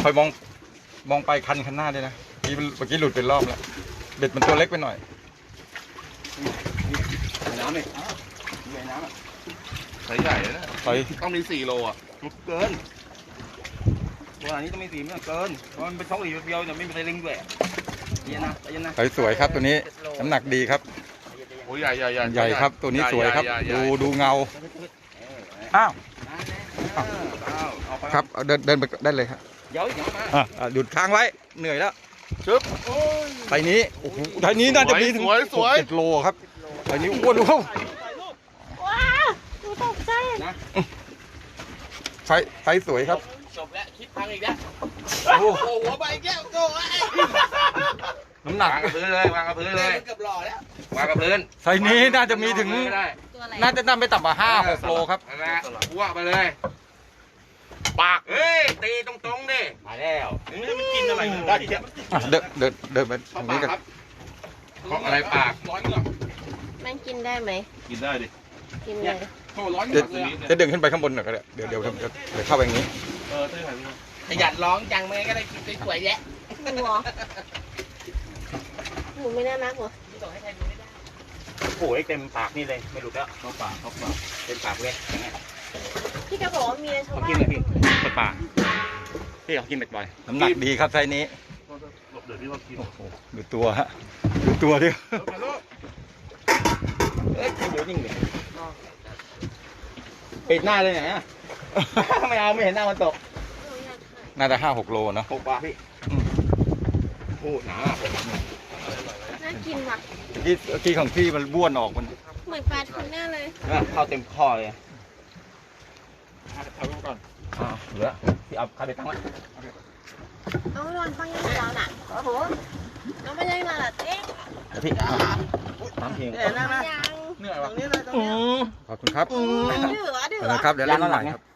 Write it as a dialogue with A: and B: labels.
A: อยมองไปคันข้างหน้าด้วยนะเมื่อกี้หลุดเป็นรอบแล้วเบ็ดมันตัวเล็กไปหน่อย
B: น้ำเลยใหญ่น้ำอ่ะ
C: ใส่ใหญ่เลยนะ
A: ใส่
C: ต้องมี4 โลอ่ะ
B: เกินตัวนี้ต้องมีสีมันเกินเพราะมันเป็นช่องสีเดียวเนี่ยไม่มีไซลิงด้วยเย็นนะเย็นนะ
A: สวยครับตัวนี้น้ำหนักดีครับ
C: โอ้ยใหญ่
A: ใหญ่ครับตัวนี้สวยครับดูเงาอ้าวครับเดินไปได้เลยครับ
B: เดี๋ยวมา
A: หยุดค้างไว้เหนื่อยแล้วชึบไทยนี้โอ้โหไทยนี้น่าจะมีถึง7 โลครับไทยนี้อ้วนดูเขา
D: ว้าวดูตกใจ
B: นะ
A: ไทยสวยครับ
B: จบแล้วคลิปพังอีกแล้วโอ้โหหัวใบแก้วโก้
A: น้ำหนัก
C: วางกับพื้นเลยวางกับพื้นเลย
B: เกือบหล่อแล้ว
C: วางกับพื้น
A: ไทยนี้น่าจะมีถึง
D: ตัวอะไร
A: น่าจะนำไปต่ำกว่า5-6 โลครับ
C: นั่นแหละอ้วกไปเลยปากเฮ้ยตีตรงๆดิ
B: มาแล้วไม่ได้กินอะไรได้ดิเนี่ย
A: เดินไปทางนี้กัน
C: เพราะอะไรปาก
B: ร้อนเหรอ
D: มันกินได้ไหม
C: กินได้ดิ
D: กินเลย
B: โอ้ร้อนเหรอ
A: จะดึงขึ้นไปข้างบนหน่อยก็ได้เดี๋ยวเข้าไปอย่างนี้
C: ตื้อหน่อย
B: ขยันร้องจังไม่ก็ได้กินสวยๆแยะ
D: หนูเหรอหนูไม่น่ารักเหรอ
B: โอ้ยเต็มปากนี่เลยไม่หลุดแล้วเข้าปากเต็มปากเลย
D: พี่ก็บอกว่ามีชาว
B: เขา
D: บ้า
B: กิน
D: น
B: เลยพี่เปิดปากพี่เขากินบ่อย
A: น้ำหนักดีครับไซส์นี้
C: เดี๋ยวพี่ว่ากิน
A: โอ้โหดูตัวฮะดูตัวดิ
B: เอ๊ะเดี๋ยวนิ่งเลยปิดหน้าเลยไหนอ่ะไม่เอาไม่เห็นหน้ามันตก
A: น่าจะ5-6 โลเนาะ
B: 6 บาทพี่โอ้หนา
D: น่ากินว่ะ
A: ที่ของพี่มันบ้วนออกมัน
D: เหมือนปลาทูน่าเลย
B: เข้าเต็มคอเลยเอาก่อนเหลือพี่เอาข้าวไปตั้งไว้
D: เอานอนฟังยังไงเราน่ะโอ้โหน้องไปยังไงล่ะเอ๊ะ
B: พี่ตั้งเพลง
D: ยัง
B: เหนื่อยวะ
A: ขอบคุณครับ
D: ดื้อดื้อ
A: นะครับเดี๋ยวเล่นใหม่ครับ